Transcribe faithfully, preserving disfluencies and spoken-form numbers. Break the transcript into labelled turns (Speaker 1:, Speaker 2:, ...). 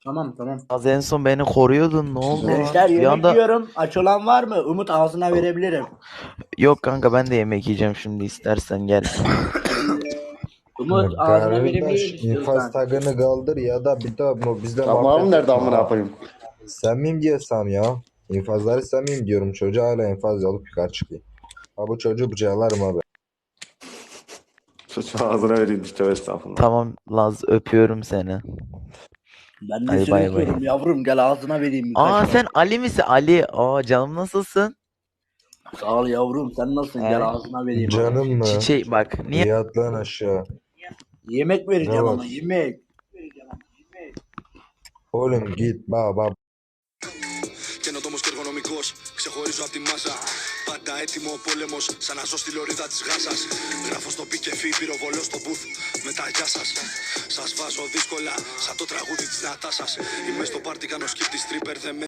Speaker 1: Tamam tamam.
Speaker 2: Az en son beni koruyordun, ne oldu lan?
Speaker 1: Gençler
Speaker 2: Bir
Speaker 1: yemek
Speaker 2: anda
Speaker 1: yiyorum. Aç olan var mı? Umut ağzına verebilirim.
Speaker 2: yok kanka, ben de yemek yiyeceğim şimdi, istersen gel.
Speaker 1: Umut ağzına verebilirim
Speaker 3: Kardeş infaz
Speaker 1: istiyorsan.
Speaker 3: tagını kaldır ya da bir daha bu bizle
Speaker 4: Tamam
Speaker 3: muhabbet
Speaker 4: nerede
Speaker 3: etme
Speaker 4: amına
Speaker 3: ha.
Speaker 4: koyayım?
Speaker 3: Sen miyim diyesem ya. İnfazları sen miyim diyorum. Çocuğa hala infaz alıp yukarı çıkıyor. Ha bu çocuğu bıçaklarım abi.
Speaker 4: Şu ağzına vereyim işte estağfurullah.
Speaker 2: Tamam Laz, öpüyorum seni.
Speaker 1: Ben de
Speaker 2: Hadi
Speaker 1: seni
Speaker 2: bay bay.
Speaker 1: öpüyorum yavrum. Gel ağzına vereyim
Speaker 2: Aa,
Speaker 1: birkaç.
Speaker 2: sen Ali misin? Ali. Aa, canım nasılsın?
Speaker 1: Sağ ol yavrum. Sen nasılsın? Gel
Speaker 2: He?
Speaker 1: ağzına vereyim.
Speaker 3: Canım mı?
Speaker 2: Çiçeği bak. Niye?
Speaker 3: Yat lan aşağı.
Speaker 1: Yemek
Speaker 3: Ne
Speaker 1: vereceğim ama
Speaker 3: var?
Speaker 1: yemek.
Speaker 3: Oğlum git baba.
Speaker 5: Καινοτόμος και εργονομικός, ξεχωρίζω απ' τη μάζα. Πάντα έτοιμο ο πόλεμος, σαν να ζω στη λωρίδα της Γάζας. Γράφω στο πι και φι, πυροβολώ στο booth, με τα γεια σας. Σας βάζω δύσκολα, σαν το τραγούδι της Νατάσας. Είμαι στο πάρτι, κάνω skip τη stripper, δεν με